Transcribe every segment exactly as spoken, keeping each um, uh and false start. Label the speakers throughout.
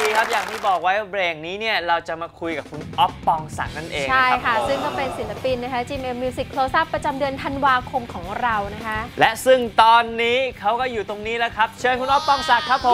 Speaker 1: ดีครับอย่างที่บอกไว้เบรกนี้เนี่ยเราจะมาคุยกับคุณอ๊อฟปองศักดิ์นั่นเอง
Speaker 2: ใช่ค่ะซึ่งก็เป็นศิลปินนะคะ จี เอ็ม Music Close Up ประจำเดือนธันวาคมของเรานะคะ
Speaker 1: และซึ่งตอนนี้เขาก็อยู่ตรงนี้แล้วครับเชิญคุณอ๊อฟปองศักดิ์ครับผม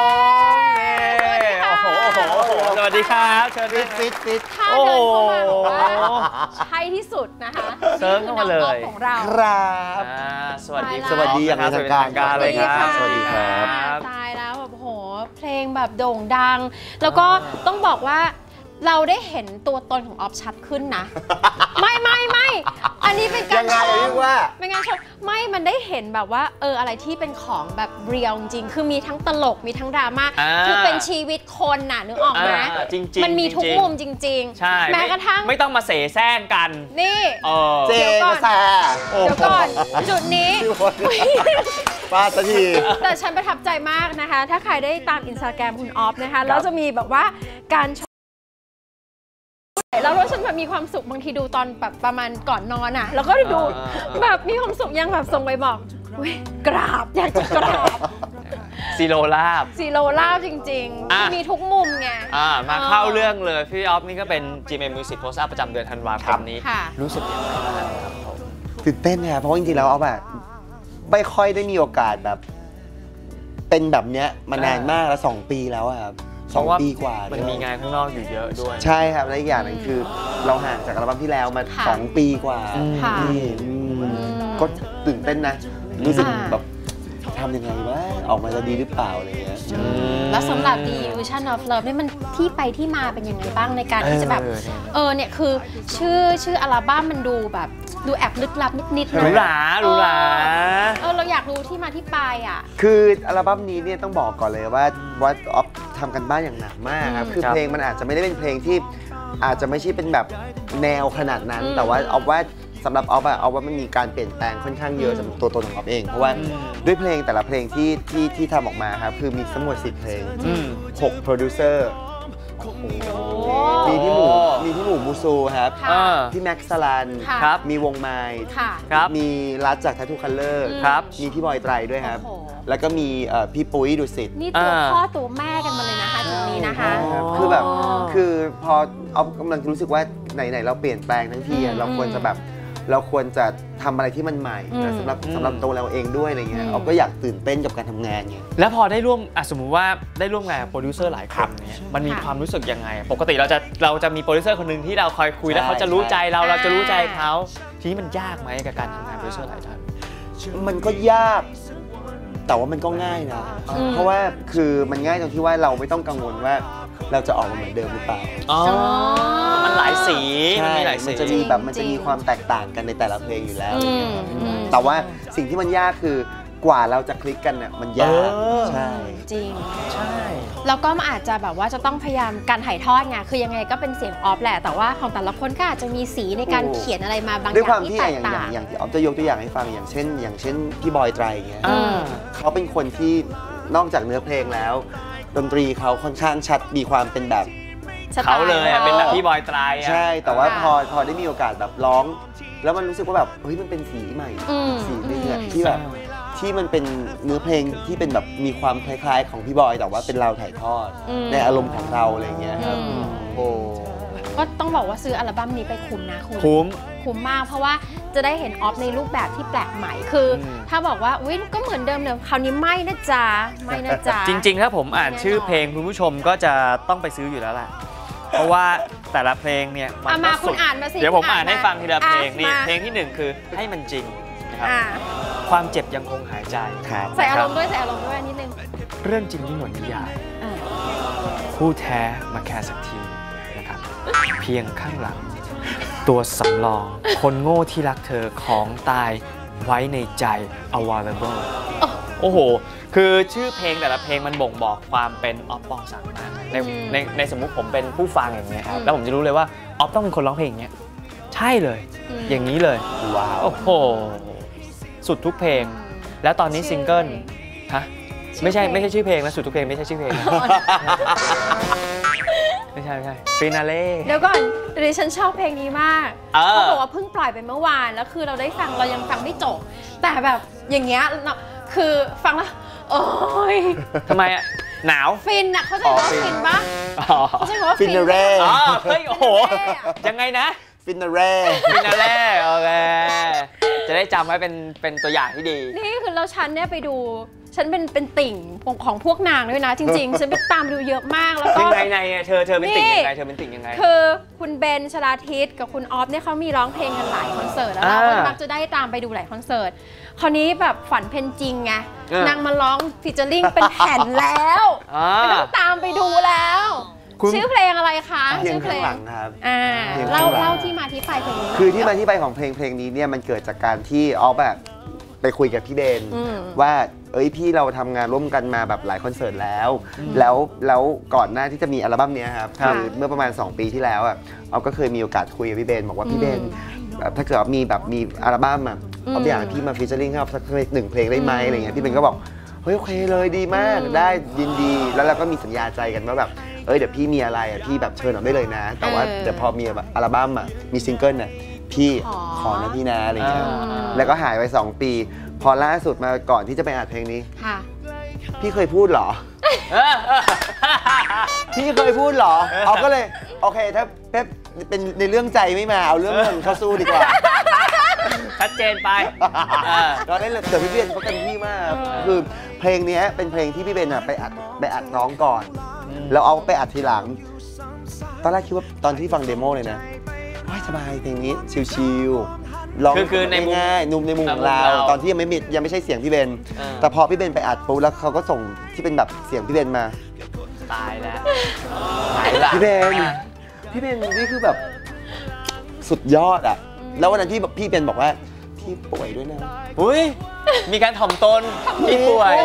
Speaker 1: โอ้โหโอ้โหโอ้โหสวัสดีครับเชิญฟิตฟิตฟิต
Speaker 2: ถ้าเดินเข้ามาบอกว่าใช่ที่สุดนะคะ
Speaker 1: เซิร์ฟเข้ามาเลย
Speaker 2: ของเรา
Speaker 3: ครับ
Speaker 1: สวัสดี
Speaker 3: สวัสดีอย่างเป็นทางการ
Speaker 1: เลยครับ
Speaker 3: สวัสดีครับ
Speaker 2: ตายแล้วแบบโหเพลงแบบโด่งดังแล้วก็ต้องบอกว่าเราได้เห็นตัวตนของออฟชัดขึ้นนะไม่ไม่ไม่อันนี้เป็นการชม
Speaker 3: ว่า
Speaker 2: เป็นการชมไม่มันได้เห็นแบบว่าเอออะไรที่เป็นของแบบเรียลจริงคือมีทั้งตลกมีทั้งดราม่าคือเป็นชีวิตคนน่ะนึกออกไหมมันมีทุกมุมจริงๆแม้กระทั่ง
Speaker 1: ไม่ต้องมาเสแสร้งกัน
Speaker 2: นี่
Speaker 3: เจ๊ก็แซ่
Speaker 2: เดี๋ยวก่อนจุดนี้
Speaker 3: ป้าสักที
Speaker 2: แต่ฉันประทับใจมากนะคะถ้าใครได้ตามอินสตาแกรมคุณออฟนะคะแล้วจะมีแบบว่าการแล้วเราฉันแบบมีความสุขบางทีดูตอนแบบประมาณก่อนนอนอ่ะแล้วก็ดูแบบมีความสุขยังแบบส่งไปบอกกราบอยากจะกราบ
Speaker 1: ซีโรลาบ
Speaker 2: ซีโรลาบจริงๆมีทุกมุมไง
Speaker 1: มาเข้าเรื่องเลยพี่ออฟนี่ก็เป็น จี เอ็ม Music Close Up ประจำเดือนธันวาคมนี้รู้สึกยังไงบ้างครับ
Speaker 3: ตื่นเต้นเนี่ยเพราะจริงๆแล้วเอาแบบไม่ค่อยได้มีโอกาสแบบเป็นแบบเนี้ยมานานมากแล้วสองปีแล้วครับสองปีกว่า
Speaker 1: มันมีงานข้างนอกอยู่เยอะด้วย
Speaker 3: ใช่ครับและอีกอย่างหนึ่งคือเราห่างจากอัลบั้มที่แล้วมาสองปีกว่าก็ตื่นเต้นนะรู้สึกแบบทำยังไงวะออกมาจะดีหรือเปล่าอะไรเงี้ย
Speaker 2: แล้วสำหรับ The Illusion of Love นี่มันที่ไปที่มาเป็นยังไงบ้างในการที่จะแบบเออเนี่ยคือชื่อชื่ออัลบั้มมันดูแบบดูแอบลึกลับนิดๆนะ
Speaker 1: หรูหราหรูหรา
Speaker 2: เออเราอยากรู้ที่มาที่ไปอ่ะ
Speaker 3: คืออัลบั้มนี้เนี่ยต้องบอกก่อนเลยว่าว่าออฟทำกันบ้านอย่างหนักมากครับคือเพลงมันอาจจะไม่ได้เป็นเพลงที่อาจจะไม่ใช่เป็นแบบแนวขนาดนั้นแต่ว่าออฟว่าสำหรับออฟอะออฟว่ามันมีการเปลี่ยนแปลงค่อนข้างเยอะสำหรับตัวตนของออฟเองเพราะว่าด้วยเพลงแต่ละเพลงที่ที่ที่ทำออกมาครับคือมีทั้งหมดสิบเพลงหกโปรดิวเซอร์มีพี่หมูมีพี่หมูมูซูครับพี่แม็กซ์สลันมีวงไมล์มีรัฐจาก Tattoo Color มีพี่บอยไตรด้วยครับแล้วก็มีพี่ปุ้ยดุสิต
Speaker 2: นี่ตัวพ่อตัวแม่กันมาเลยนะคะจุดนี้นะคะ
Speaker 3: คือแบบคือพอเอากำลังรู้สึกว่าไหนๆเราเปลี่ยนแปลงทั้งทีเราควรจะแบบเราควรจะทำอะไรที่มันใหม่สำหรับสำหรับตัวเราเองด้วยอะไรเงี้ยเราก็อยากตื่นเต้นกับการทำงานไง
Speaker 1: แล้วพอได้ร่วมสมมุติว่าได้ร่วมงานกับโปรดิวเซอร์หลายคนเนี่ยมันมีความรู้สึกยังไงปกติเราจะเราจะมีโปรดิวเซอร์คนหนึ่งที่เราคอยคุยแล้วเขาจะรู้ใจเราเราจะรู้ใจเขาทีนี้มันยากไหมกับการทำงานโปรดิวเซอร์หลายท่าน
Speaker 3: มันก็ยากแต่ว่ามันก็ง่ายนะเพราะว่าคือมันง่ายตรงที่ว่าเราไม่ต้องกังวลว่าเราจะออกมาเหมือนเดิมหรือเปล่า
Speaker 1: อ๋อมันหลายสีมันมีหลายสี
Speaker 3: มันจะมีแบบมันจะมีความแตกต่างกันในแต่ละเพลงอยู่แล้วแต่ว่าสิ่งที่มันยากคือกว่าเราจะคลิกกันเนี่ยมันยากใช่
Speaker 2: จริง
Speaker 1: ใช่
Speaker 2: แล้วก็มันอาจจะแบบว่าจะต้องพยายามการถ่ายทอดไงคือยังไงก็เป็นเสียงออฟแหละแต่ว่าของแต่ละคนก็อาจจะมีสีในการเขียนอะไรมาบางอย่างที่แตกต่าง
Speaker 3: อย่างที่ออฟจะยกตัวอย่างให้ฟังอย่างเช่นอย่างเช่นพี่บอยไตรเงี้ยเขาเป็นคนที่นอกจากเนื้อเพลงแล้วดนตรีเขาค่อนข้างชัดมีความเป็นแบบ
Speaker 1: เขาเลยเป็นแบบพี่บอยไตร
Speaker 3: ใช่แต่ว่าพอพอได้มีโอกาสแบบร้องแล้วมันรู้สึกว่าแบบเฮ้ยมันเป็นสีใหม่สีนึงอะที่แบบที่มันเป็นเนื้อเพลงที่เป็นแบบมีความคล้ายๆของพี่บอยแต่ว่าเป็นเราถ่ายทอดในอารมณ์ของเราอะไรเงี้ยครับโอ้
Speaker 2: ก็ต้องบอกว่าซื้ออัลบั้มนี้ไปคุ้มนะคุณ
Speaker 1: คุ้ม
Speaker 2: คุ้มมากเพราะว่าจะได้เห็นออฟในรูปแบบที่แปลกใหม่คือถ้าบอกว่าอุ้ยก็เหมือนเดิมเลยคราวนี้ไม่นะจ๊ะไม่นะจ๊ะ
Speaker 1: จริงๆถ้าผมอ่านชื่อเพลงคุณผู้ชมก็จะต้องไปซื้ออยู่แล้วแหละเพราะว่าแต่ละเพลงเนี่ย
Speaker 2: มันมาคุณอ่านมาสิ
Speaker 1: เดี๋ยวผมอ่านให้ฟังทีละเพลงนี่เพลงที่หนึ่งคือให้มันจริงนะครับความเจ็บยังคงหายใจ
Speaker 2: ใส่อารมณ์ด้วยใส่อารมณ์ด้วยนิดนึง
Speaker 1: เรื่องจริงที่หมดนิยายคู่แท้มาแค่สักทีนะครับเพียงข้างหลังตัวสำรองคนโง่ที่รักเธอของตายไว้ในใจ available โอ้โหคือชื่อเพลงแต่ละเพลงมันบ่งบอกความเป็นออฟปองศักดิ์มากในในในสมมุติผมเป็นผู้ฟังอย่างเงี้ยครับแล้วผมจะรู้เลยว่าออฟต้องเป็นคนร้องเพลงอย่างเงี้ยใช่เลยอย่างนี้เลย
Speaker 3: ว้าว
Speaker 1: โอ้โหสุดทุกเพลงแล้วตอนนี้ซิงเกิลฮะไม่ใช่ไม่ใช่ชื่อเพลงนะสุดทุกเพลงไม่ใช่ชื่อเพลงไม่ใช่ไม่ใช่ฟินาเล่
Speaker 2: เดี๋ยวก่อนดิฉันชอบเพลงนี้มากเขาบอกว่าเพิ่งปล่อยไปเมื่อวานแล้วคือเราได้ฟังเรายังฟังไม่จบแต่แบบอย่างเงี้ยคือฟังแล้วโอ้ย
Speaker 1: ทำไมอ่ะหนาว
Speaker 2: ฟินอะเขาใจว่าฟินปะเขาใจว่าฟิน
Speaker 3: เร่
Speaker 1: อ๋อเฮ้ยโอ้โหยังไงนะ
Speaker 3: ฟินเร่
Speaker 1: ฟินเร่โอเคจะได้จำไว้เป็นเป็นตัวอย่างที่ดี
Speaker 2: นี่คือเราฉันเนี่ยไปดูฉันเป็นเป็นติ่งของพวกนางด้วยนะจริงๆฉันไปตามดูเยอะมากแล้วก็
Speaker 1: ยังไงในเธอเธอเป็นติ่งยังไงเธอเป็นติ่งยังไง
Speaker 2: คือคุณเบนชลาทิศกับคุณออฟเนี่ยเขามีร้องเพลงกันหลายคอนเสิร์ตแล้วเราก็มักจะได้ตามไปดูหลายคอนเสิร์ตคราวนี้แบบฝันเพนจริงไงนางมาร้องฟีเจอริ่งเป็นแผ่นแล้วไม่ต้องตามไปดูแล้วชื่อเพลงอะไรคะ
Speaker 3: ชื่อเพลงหลังครับ
Speaker 2: เล่าเล่าที่มาที่ไปเพลงนี้
Speaker 3: คือที่มาที่ไปของเพลงเพลงนี้เนี่ยมันเกิดจากการที่ออฟแบบไปคุยกับพี่เบนว่าเอ้ยพี่เราทำงานร่วมกันมาแบบหลายคอนเสิร์ตแล้วแล้วแล้วก่อนหน้าที่จะมีอัลบั้มนี้ครับคือเมื่อประมาณสองปีที่แล้วอ่ะออฟก็เคยมีโอกาสคุยกับพี่เบนบอกว่าพี่เบนถ้าเกิดมีแบบมีอัลบั้มอ่ะออฟอยากให้พี่มาฟีเจอริ่งให้ออฟสักหนึ่งเพลงได้ไหมอะไรเงี้ยพี่เบนก็บอกเฮ้ยโอเคเลยดีมากได้ยินดีแล้วเราก็มีสัญญาใจกันว่าแบบเอ้ยเดี๋ยวพี่มีอะไรอ่ะพี่แบบเชิญออกได้เลยนะแต่ว่าเดี๋ยวพอมีแบบอัลบั้มอ่ะมีซิงเกิลน่ะพี่ขอนะพี่นะอะไรเงี้ยแล้วก็หายไปสองปีพอล่าสุดมาก่อนที่จะไปอัดเพลงนี้พี่เคยพูดเหรอพี่เคยพูดเหรอเอาก็เลยโอเคถ้าเป๊ปเป็นในเรื่องใจไม่มาเอาเรื่องเงินเข้าสู้ดีกว่า
Speaker 1: ชัดเจนไป
Speaker 3: เราได้เลยแต่พี่เบนเขาเต็มที่มากคือเพลงนี้เป็นเพลงที่พี่เบนไปอัดไปอัดร้องก่อนแล้วเอาไปอัดทีหลังตอนแรกคิดว่าตอนที่ฟังเดโมเลยนะสบายเพลงนี้ชิลๆร้อง
Speaker 1: คือใน
Speaker 3: ง่ายนุ่มในมุมของเราตอนที่ยังไม่มียังไม่ใช่เสียงพี่เบนแต่พอพี่เบนไปอัดปุ๊บแล้วเขาก็ส่งที่เป็นแบบเสียงพี่เบนมา
Speaker 1: ตายแล้ว
Speaker 3: พี่เบนพี่เบนนี่คือแบบสุดยอดอ่ะแล้ววันนั้นที่พี่เบนบอกว่าพี่ป่วยด้วยนะ
Speaker 1: อุ้ยมีการถ่อมตนพี่ป่วย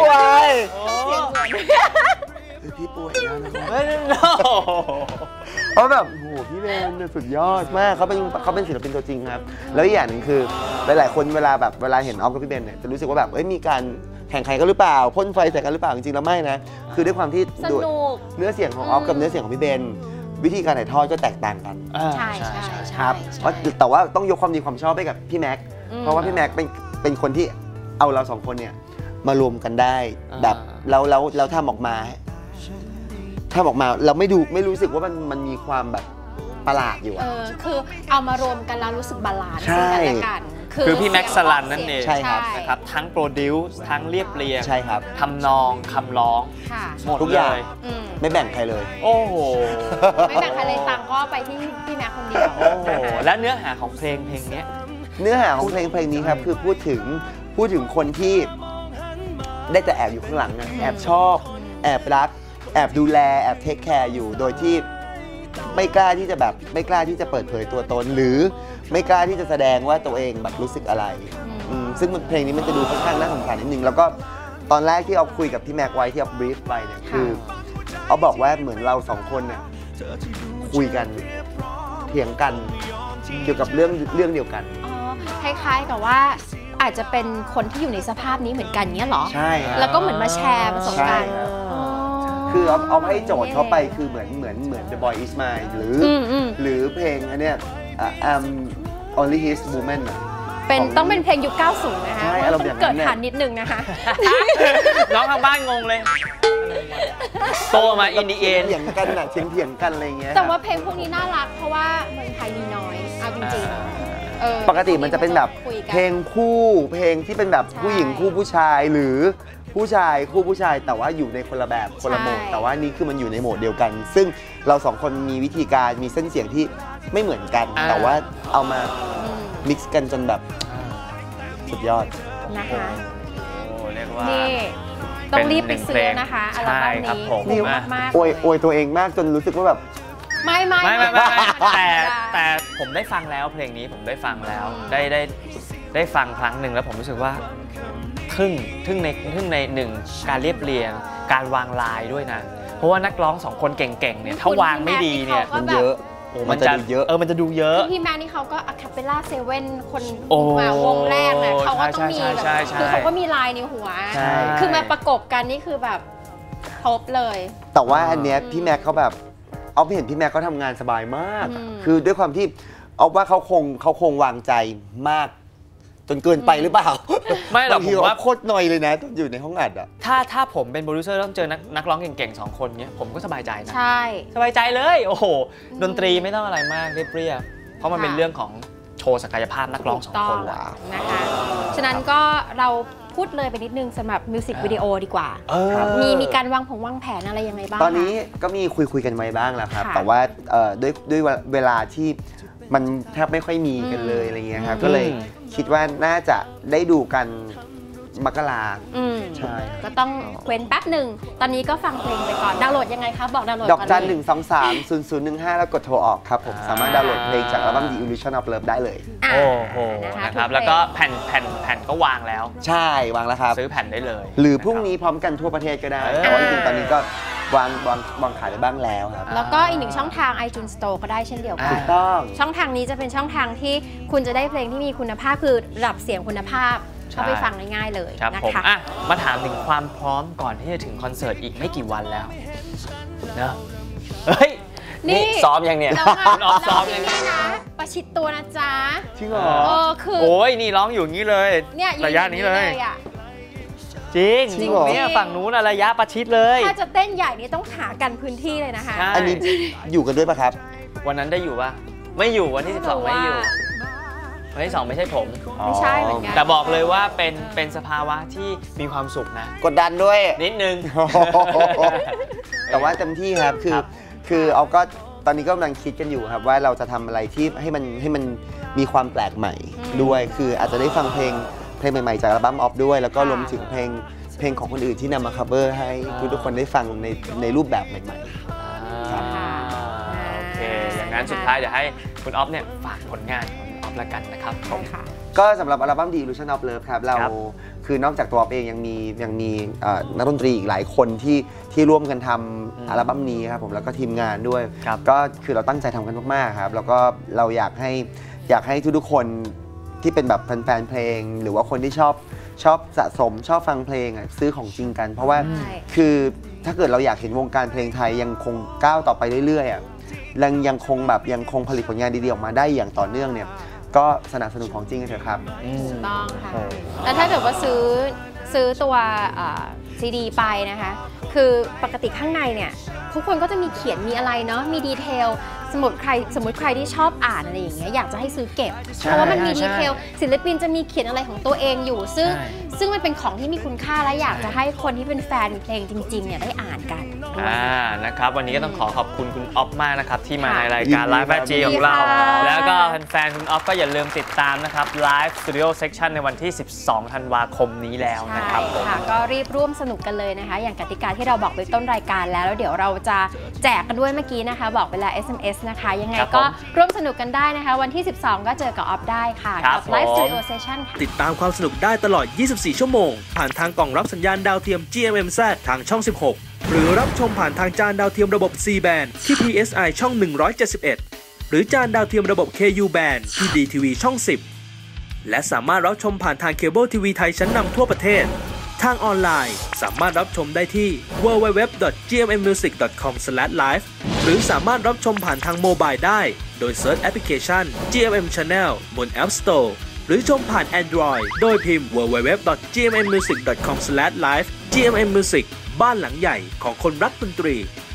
Speaker 3: พี่ป่วยนะเพราะแบบโหพี่เบนสุดยอดมากเขาเป็นเขาเป็นศิลปินตัวจริงครับแล้วอีกอย่างหนึ่งคือหลายๆคนเวลาแบบเวลาเห็นออฟกับพี่เบนเนี่ยจะรู้สึกว่าแบบเอ้ยมีการแข่งขันกันหรือเปล่าพ่นไฟใส่กันหรือเปล่าจริงๆแล้วไม่นะคือด้วยความที่เนื้อเสียงของออฟกับเนื้อเสียงของพี่เบนวิธีการถ่ายทอดก็แตกต่างกัน
Speaker 2: ใช่ใช่
Speaker 3: ครับแต่ว่าต้องยกความดีความชอบให้กับพี่แม็กเพราะว่าพี่แม็กเป็นเป็นคนที่เอาเราสองคนเนี่ยมารวมกันได้แบบแล้วแล้วแล้วทำออกมาถ้าออกมาเราไม่ดูไม่รู้สึกว่ามันมันมีความแบบประหลาดอยู่อะ
Speaker 2: คือเอามารวมกันแล้วรู้สึกบาลานซ์กัน
Speaker 1: คือพี่แม็กซ์สลันนั่นเอง
Speaker 3: ใช่ครับ
Speaker 1: นะครับทั้งโปรดิวซ์ทั้งเรียบเรียง
Speaker 3: ใช่ครับ
Speaker 1: ทำนองคำร้องหมด
Speaker 3: ทุกอย่างไม่แบ่งใครเลย
Speaker 1: โอ้โห
Speaker 2: ไม่แบ่งใครเลยตังก็ไปที่พี่แม็กซ์คนเดียว
Speaker 1: โอ้โหและเนื้อหาของเพลงเพลงนี้
Speaker 3: เนื้อหาของเพลงเพลงนี้ครับคือพูดถึงพูดถึงคนที่ได้แต่แอบอยู่ข้างหลังแอบชอบแอบรักแอบดูแลแอบเทคแคร์อยู่โดยที่ไม่กล้าที่จะแบบไม่กล้าที่จะเปิดเผยตัวตนหรือไม่กล้าที่จะแสดงว่าตัวเองแบบรู้สึกอะไรซึ่งเพลงนี้มันจะดูค่อนข้างน่าสงสารนิดนึงแล้วก็ตอนแรกที่เอาคุยกับพี่แม็กไว้ที่เอาบรีฟไปเนี่ยคือเอาบอกว่าเหมือนเราสองคนเนี่ยคุยกันเถียงกันเกี่ยวกับเรื่องเรื่องเดียวกัน
Speaker 2: อ๋อคล้ายๆกับว่าอาจจะเป็นคนที่อยู่ในสภาพนี้เหมือนกันเนี้ยหรอ
Speaker 3: ใช่
Speaker 2: แล้วก็เหมือนมาแชร์ประสบการณ์
Speaker 3: คือเอาเอาให้โจทย์เขาไปคือเหมือนเหมือนเหมือน The Boy Is Mine หรือหรือเพลงอันเนี้ย I'm Only His Woman
Speaker 2: เป็นต้องเป็นเพลงยุคเก้าสิบนะคะต้องเกิดทันนิดนึงนะคะ
Speaker 1: น้องทางบ้านงงเลยโตมาอินดีเอ็น
Speaker 3: เถียงกันน่ะเถียงเถียงกันอะไรเงี้ย
Speaker 2: แต่ว่าเพลงพวกนี้น่ารักเพราะว่าเมืองไทยมีน้อยเอาจริงๆ
Speaker 3: ปกติมันจะเป็นแบบเพลงคู่เพลงที่เป็นแบบผู้หญิงคู่ผู้ชายหรือผู้ชายคู่ผู้ชายแต่ว่าอยู่ในคนละแบบคนละโหมดแต่ว่านี่คือมันอยู่ในโหมดเดียวกันซึ่งเราสองคนมีวิธีการมีเส้นเสียงที่ไม่เหมือนกันแต่ว่าเอามามิกซ์กันจนแบบสุดยอด
Speaker 2: นะคะ
Speaker 1: โอ้เรียกว่า
Speaker 2: นี่ต้องรีบไปซื้อนะคะอัลบั้มนี้
Speaker 3: นี่มากอวยอวยตัวเองมากจนรู้สึกว่าแบบ
Speaker 2: ไม่ไม่
Speaker 1: ไม่ไม่แต่แต่ผมได้ฟังแล้วเพลงนี้ผมได้ฟังแล้วได้ได้ได้ฟังครั้งหนึ่งแล้วผมรู้สึกว่าทึ่งทึ่งในทึ่งในหนึ่งการเรียบเรียงการวางลายด้วยนะเพราะว่านักร้องสองคนเก่งๆเนี่ยถ้าวางไม่ดีเนี่ย
Speaker 3: มันเยอะ
Speaker 1: โอ้มันจะเยอะเออมันจะดูเยอะ
Speaker 2: พี่แม็กนี่เขาก็อะคาเปลล่าเซเว่นคนมาวงแรกนะเขาก็ต้องมีแบบคือเขาก็มีลายในหัวคือมาประกบกันนี่คือแบบครบเลย
Speaker 3: แต่ว่าอันเนี้ยพี่แม็กเขาแบบเอาไปเห็นพี่แม็กเขาทำงานสบายมากคือด้วยความที่เอาว่าเขาคงเขาคงวางใจมากจนเกินไปหรือเปล่า
Speaker 1: ไม่หรอกผมว่า
Speaker 3: โคตรหน่อยเลยนะตอนอยู่ในห้องอัดอ่ะ
Speaker 1: ถ้าถ้าผมเป็นโปรดิวเซอร์ต้องเจอนักนักร้องเก่งๆสองคนเนี้ยผมก็สบายใจนะ
Speaker 2: ใช่
Speaker 1: สบายใจเลยโอ้โหดนตรีไม่ต้องอะไรมากเรียบๆเพราะมันเป็นเรื่องของโชว์ศักยภาพนักร้องสองคน
Speaker 2: นะคะฉะนั้นก็เราพูดเลยไปนิดนึงสำหรับมิวสิกวิดีโอดีกว่ามีมีการวางผงวางแผนอะไรยังไงบ้าง
Speaker 3: ตอนนี้ก็มีคุยคุยกันไว้บ้างแล้วครับแต่ว่าด้วยด้วยเวลาที่มันแทบไม่ค่อยมีกันเลยอะไรเงี้ยครับก็เลยคิดว่าน่าจะได้ดูกันมกราใช่
Speaker 2: ก็ต้องเว้นแป๊บหนึ่งตอนนี้ก็ฟังเพลงไปก่อนดาวน์โหลดยังไงครับบอกดาวน์โหลด
Speaker 3: ดอกจันหนึ่งสองสามศูนย์ศูนย์หนึ่งห้าแล้วกดโทรออกครับผมสามารถดาวน์โหลดเพลงจากอัลบั้ม The Illusion of Love ได้เลย
Speaker 1: โอ้โหนะครับแล้วก็แผ่นแผ่นแผ่นก็วางแล้ว
Speaker 3: ใช่วางแล้วครับ
Speaker 1: ซื้อแผ่นได้เลย
Speaker 3: หรือพรุ่งนี้พร้อมกันทั่วประเทศก็ได้แต่ว่าจริงๆตอนนี้ก็วางวางวางขายไปบ้างแล้วครับ
Speaker 2: แล้วก็อีกหนึ่งช่องทาง iTunes Store ก็ได้เช่นเดียวกัน
Speaker 3: ถูกต้อง
Speaker 2: ช่องทางนี้จะเป็นช่องทางที่คุณจะได้เพลงที่มีคุณภาพคือระดับเสียงคุณภาพเข้าไปฟังง่ายๆเลยนะคะ
Speaker 1: มาถามถึงความพร้อมก่อนที่จะถึงคอนเสิร์ตอีกไม่กี่วันแล้วเนอะเฮ้ยนี่ซ้อมยังเนี่ย
Speaker 2: คุณออฟซ้อมยังนะประชิดตัวนะจ๊ะ
Speaker 3: จริงเหรอ
Speaker 2: เออคือ
Speaker 1: โอ้ยนี่ร้องอยู่งี้เลยระยะนี้เลยจริงจริงเนี่ยฝั่งนู้นระยะประชิดเลย
Speaker 2: ถ้าจะเต้นใหญ่นี่ต้องหากันพื้นที่เลยนะคะ
Speaker 3: อันนี้อยู่กันด้วยป่ะครับ
Speaker 1: วันนั้นได้อยู่ป่ะไม่อยู่วันที่สิบสองไม่อยู่วันที่สองไม่ใช่ผม
Speaker 2: ไม่ใช่เหมือนกัน
Speaker 1: แต่บอกเลยว่าเป็นเป็นสภาวะที่มีความสุขนะ
Speaker 3: กดดันด้วย
Speaker 1: นิดนึง
Speaker 3: แต่ว่าเต็มที่ครับคือคือเอาก็ตอนนี้ก็กำลังคิดกันอยู่ครับว่าเราจะทำอะไรที่ให้มันให้มันมีความแปลกใหม่ด้วยคืออาจจะได้ฟังเพลงเพลงใหม่ๆจากอัลบั้มออฟด้วยแล้วก็รวมถึงเพลงเพลงของคนอื่นที่นำมาคัฟเวอร์ให้ทุกคนได้ฟังในในรูปแบบใหม่ๆ
Speaker 1: ครับโอเคอย่างนั้นสุดท้ายเดี๋ยวให้คุณออฟเนี่ยฝากผลงานละกันนะครับผม
Speaker 3: ก็สำหรับอัลบั้ม The Illusion of Love ครับเราคือนอกจากตัวเองยังมียังมีนักดนตรีอีกหลายคนที่ที่ร่วมกันทำอัลบั้มนี้ครับผมแล้วก็ทีมงานด้วยก็คือเราตั้งใจทำกันมากๆครับแล้วก็เราอยากให้อยากให้ทุกๆคนที่เป็นแบบแฟนๆเพลงหรือว่าคนที่ชอบชอบสะสมชอบฟังเพลงซื้อของจริงกันเพราะว่าคือถ้าเกิดเราอยากเห็นวงการเพลงไทยยังคงก้าวต่อไปเรื่อยๆยังยังคงแบบยังคงผลิตผลงานดีๆออกมาได้อย่างต่อเนื่องเนี่ยก็สนับสนุนของจริงกันเถอะครับ
Speaker 2: ถูกต้องค่ะแล้วถ้าเกิดว่าซื้อซื้อตัวซีดีไปนะคะคือปกติข้างในเนี่ยทุกคนก็จะมีเขียนมีอะไรเนาะมีดีเทลสมมติใครสมมติใครที่ชอบอ่านอะไรอย่างเงี้ยอยากจะให้ซื้อเก็บเพราะว่ามันมีดีเทลศิลปินจะมีเขียนอะไรของตัวเองอยู่ซึ่งซึ่งมันเป็นของที่มีคุณค่าและอยากจะให้คนที่เป็นแฟนเพลงจริงๆเนี่ยได้อ่านกัน
Speaker 1: อ่านะครับวันนี้ก็ต้องขอขอบคุณคุณออฟมากนะครับที่มาในรายการ Live แฟนจีของเราแล้วก็แฟนๆคุณออฟก็อย่าลืมติดตามนะครับ Live Studio Section ในวันที่สิบสองธันวาคมนี้แล้วนะครับผม
Speaker 2: ค่ะก็รีบร่วมสนุกกันเลยนะคะอย่างกติกาที่เราบอกไปต้นรายการแล้วแล้วเดี๋ยวเราจะแจกกันด้วยเมื่อกี้นะคะบอกเวลา เอส เอ็ม เอส นะคะยังไงก็ร่วมสนุกกันได้นะคะวันที่สิบสองก็เจอกับออฟได้ค่ะกับ Live Studio Session ค่ะ
Speaker 4: ติดตามความสนุกได้ตลอดยี่สิบสี่ชั่วโมงผ่านทางกล่องรับสัญญาณดาวเทียม จี เอ็ม เอ็ม แซด ทางช่องสิบหกหรือรับชมผ่านทางจานดาวเทียมระบบ ซี แบนด์ ที่ พี เอส ไอ ช่องหนึ่งร้อยเจ็ดสิบเอ็ดหรือจานดาวเทียมระบบ เค ยู แบนด์ ที่ ดี ที วี ช่องสิบและสามารถรับชมผ่านทางเคเบิลทีวีไทยชั้นนำทั่วประเทศทางออนไลน์สามารถรับชมได้ที่ ดับเบิลยู ดับเบิลยู ดับเบิลยู ดอท จี เอ็ม เอ็ม มิวสิก ดอท คอม สแลช ไลฟ์ หรือสามารถรับชมผ่านทางโมบายได้โดยเซิร์ชแอปพลิเคชัน จี เอ็ม เอ็ม Channel บน App Store หรือชมผ่าน Android โดยพิมพ์ ดับเบิลยู ดับเบิลยู ดับเบิลยู ดอท จี เอ็ม เอ็ม มิวสิก ดอท คอม สแลช ไลฟ์ จี เอ็ม เอ็ม Music บ้านหลังใหญ่ของคนรักดนตรี